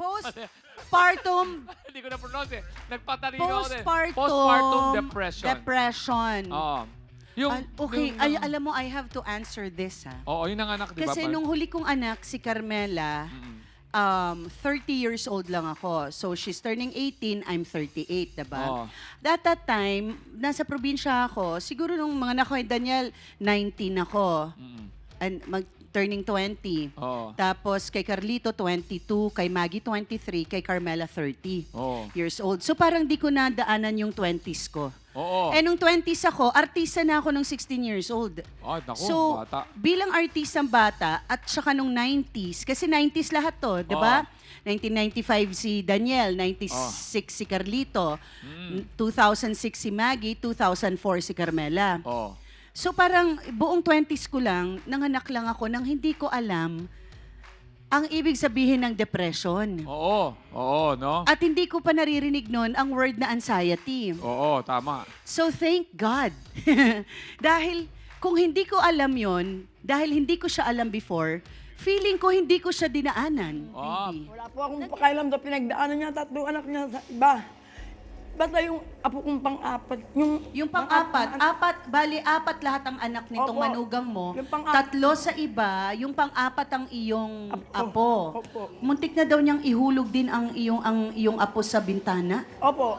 Postpartum Hindi ko na-pronounce eh. Nagpatalino ako din. postpartum depression. depression. Oo. Yung, Okay, yung- alam mo, I have to answer this, ha? Oo, yun ang anak, di ba? Kasi nung huli kong anak, si Carmela, 30 years old lang ako. So, she's turning 18, I'm 38, diba? Oo. At that time, nasa probinsya ako, siguro nung mga anak ko, Daniel, 19 ako. And turning 20. Oo. Tapos kay Carlito, 22. Kay Maggie, 23. Kay Carmela, 30 Oo. years old. So parang di ko nadaanan yung 20s ko. Oo. Eh, nung 20s ako, artista na ako nung 16 years old. Oh, naku, So, bata. bilang artistang bata, at saka nung 90s, kasi 90s lahat to, di ba? 1995 si Daniel, 96 si Carlito, 2006 si Maggie, 2004 si Carmela. Oo. So parang buong 20s ko lang, nanganak lang ako nang hindi ko alam ang ibig sabihin ng depression. Oo. Oo, no? At hindi ko pa naririnig nun ang word na anxiety. Oo, tama. So thank God. Dahil kung hindi ko alam yon, dahil hindi ko siya alam before, feeling ko hindi ko siya dinaanan. Ah. Baby. Wala po akong pakialam sa pinagdaanan niya, 3 anak niya sa iba. Basta yung apo kong pang-apat, Yung pang-apat, apat lahat ang anak nitong Opo. manugang mo. Yung pang-apat. 3 sa iba, yung pang-apat ang iyong apo. Opo. Muntik na daw niyang ihulog din ang iyong apo sa bintana. Opo.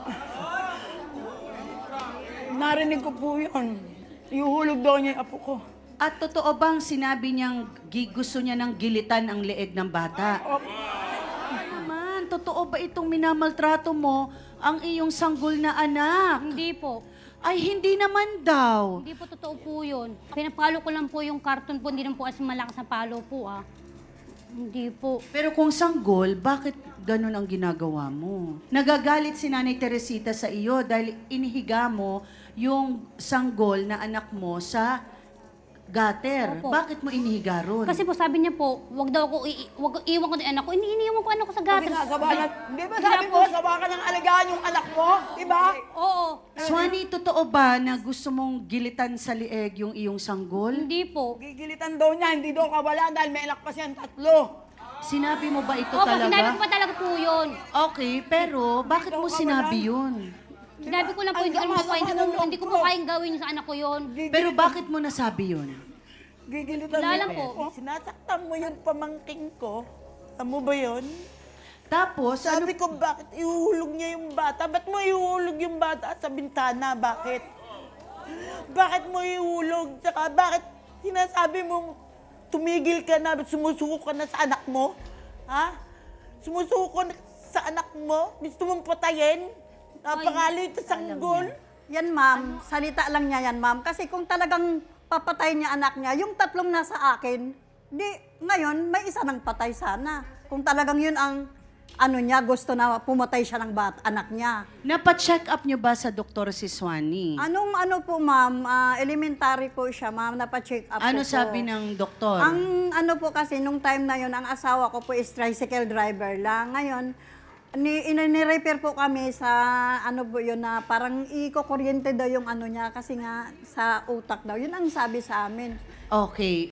Narinig ko po yun. Iuhulog daw niya yung apo ko. At totoo bang sinabi niyang gusto niya ng gilitan ang leeg ng bata? Opo. Naman, totoo ba itong minamaltrato mo ang iyong sanggol na anak? Hindi po. Ay, hindi naman daw. Hindi po totoo po yun. Pinapalo ko lang po yung carton po. Hindi naman po as malakas na palo po ah. Hindi po. Pero kung sanggol, bakit ganun ang ginagawa mo? Nagagalit si Nanay Teresita sa iyo dahil inihiga mo yung sanggol na anak mo sa gutter. Opo. Bakit mo inihiga ron? Kasi po sabi niya po, wag daw ako, wag iwan ko ng anak ko. Iniiwan ko anak ko sa Kasi gutter. nga, sawa na, di ba sabi mo, sawa ka ng alagaan yung anak mo? Di ba? Oo. Swani, totoo ba na gusto mong gilitan sa lieg yung iyong sanggol? Hindi po. Gigilitan daw niya, hindi daw kawala dahil may anak pa siyang 3. Sinabi mo ba ito Opo, sinabi ko talaga? pa talaga po yun. Okay, pero bakit mo sinabi yun? Sinabi ko lang po, Ang hindi, alam ko, sama-sama ng loob hindi ko ko. po kayang gawin sa anak ko yun. Pero bakit mo nasabi yun? Gigilitan Wala mo. lang po. Sinasaktan mo yung pamangking ko. Alam mo ba yun? Tapos, ano? Sabi ko, bakit ihuhulog niya yung bata? Ba't mo ihuhulog yung bata sa bintana? Bakit? Bakit mo ihulog? Tsaka bakit sinasabi mo tumigil ka na, sumusuko ka na sa anak mo? Ha? Sumusuko na sa anak mo? Gusto mong patayin? Napakalit sa sanggol? Yan, ma'am. Salita lang niya yan, ma'am. Kasi kung talagang papatay niya anak niya, yung 3 nasa akin, di, ngayon, may isa nang patay sana. Kung talagang yun ang, ano niya, gusto na pumatay siya ng anak niya. Napa-check up niyo ba sa doktor si Swani? Anong ano po, ma'am, elementary po siya, ma'am, napacheck up Ano po sabi po. ng doktor? Ang ano po kasi, nung time na yun, ang asawa ko po is tricycle driver lang. Ngayon, ni-repair po kami sa ano po yun na parang iko-kuryente daw yung ano niya kasi nga sa utak daw. Yun ang sabi sa amin. Okay,